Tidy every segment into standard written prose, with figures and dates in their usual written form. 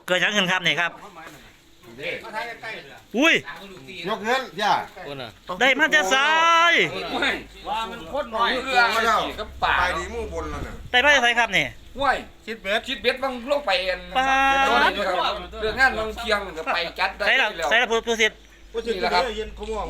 เกิดยังขึ้นครับนี่ครับอุ้ยยกเงินย่าได้มาจะซ้ายว่ามันโคตรน้อยเรื่องมาแล้วกับป่าไปดีมู่บนแล้วน่ะได้มาจะไสครับนี่ห้วยคิดเบ็ดบางลงไปเอ็นปาดเรื่องงานบางเคียงก็ไปจัดได้ใส่ละแล้วใส่ละผู้สิทธิ์นี่แหละครับโอ้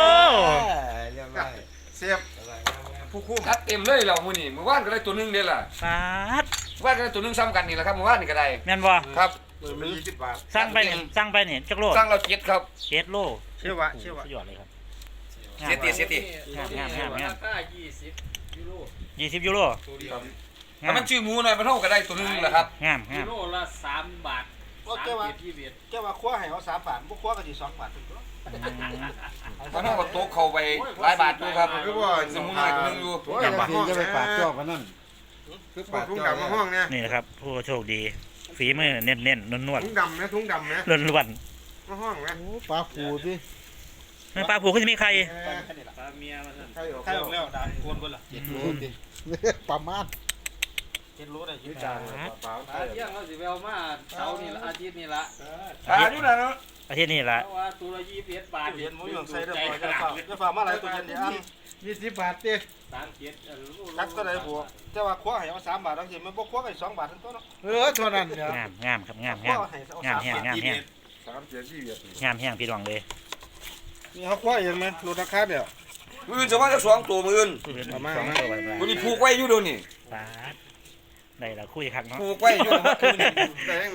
เสียบผู้คุ้มจัดเต็มเลยเรามื้อนี้เมื่อวานก็ได้ตัวนึงเด้ล่ะปาดเมื่อวานก็ได้ตัวนึงซ้ำกันนี่แหละครับเมื่อวานนี่ก็ได้แม่นบ่ครับมัน20 บาทสั่งไปนี่จักโลสร้างเราเจ็ดครับ 7 โลเชื่อวะสุดยอดเลยครับเสียตีเสียตีงามราคา20 ยูโร 20 ยูโรถ้ามันชื่อหมูหน่อยมันเท่าก็ได้ตัวนึงแหละครับงามยูโรละ3 บาทก็แก้ว่าแก้ว่าคว้าให้เขา3 บาทบ่คว้าก็สิ2 บาทถึงตัวมันเท่ากับโต๊ะเข้าไปหลายบาทอยู่ครับคือว่าสมุนไพรตัวนึงอยู่โอ้ยจะไปปากจอกกันนั่นคือปากทุ่งดำมาห้องเนี่ยนี่นะครับผู้โชคดีฝีมือเน้นๆนวลทุ่งดำนะทุ่งดำนะๆล้วนมาห้องนะปลาผูดิๆมันปลาผูกก็จะมีใครปลาเมียมาสั่นใครออกใครออกแล้วด่าโกนเบิ่ล่ะ7 โลดิประมาณ7 โลได้จานเปล่าปลาเที่ยงเราสิไปเอามาเสาร์นี่ละอาทิตย์นี่ละอยู่นะเนาะอาทิตย์นี้ละเพราะว่าตัวละ21 บาทเห็นหมูอยู่ใส่ได้บ่จะฝากมาหลายตัวเย็นดิอัน 20 บาทติ 37 จักก็ได้บวกแต่ว่าคว้าให้เขา3 บาทบางทีมันบ่คว้าก็2 บาทถึงตัวเนาะเท่านั้นเนี่ยงามครับงามคว้าให้เอา3 แห้งบาท 3เสียชีวิตงามแห้งพี่รองเลยนี่เขาคว้าเองมั้ยลดราคาเด้อมื้อจะว่าจะ2ตัวมื้อประมาณตัวไปมื้อนี้ผูกไว้อยู่เดี๋ยวนี้ปาดได้ละคุยคักเนาะผูกไว้อยู่แต่ยังไง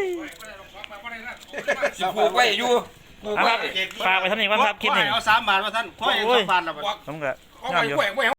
สิผูกไว้อยู่ผูกเอาไว้ครับฝากไปท่านนี้ว่าครับคลิปนี้เอา3 บาทมาท่านคว้าเอง2 บาทละผมก็เอางามไว้อยู่ไว้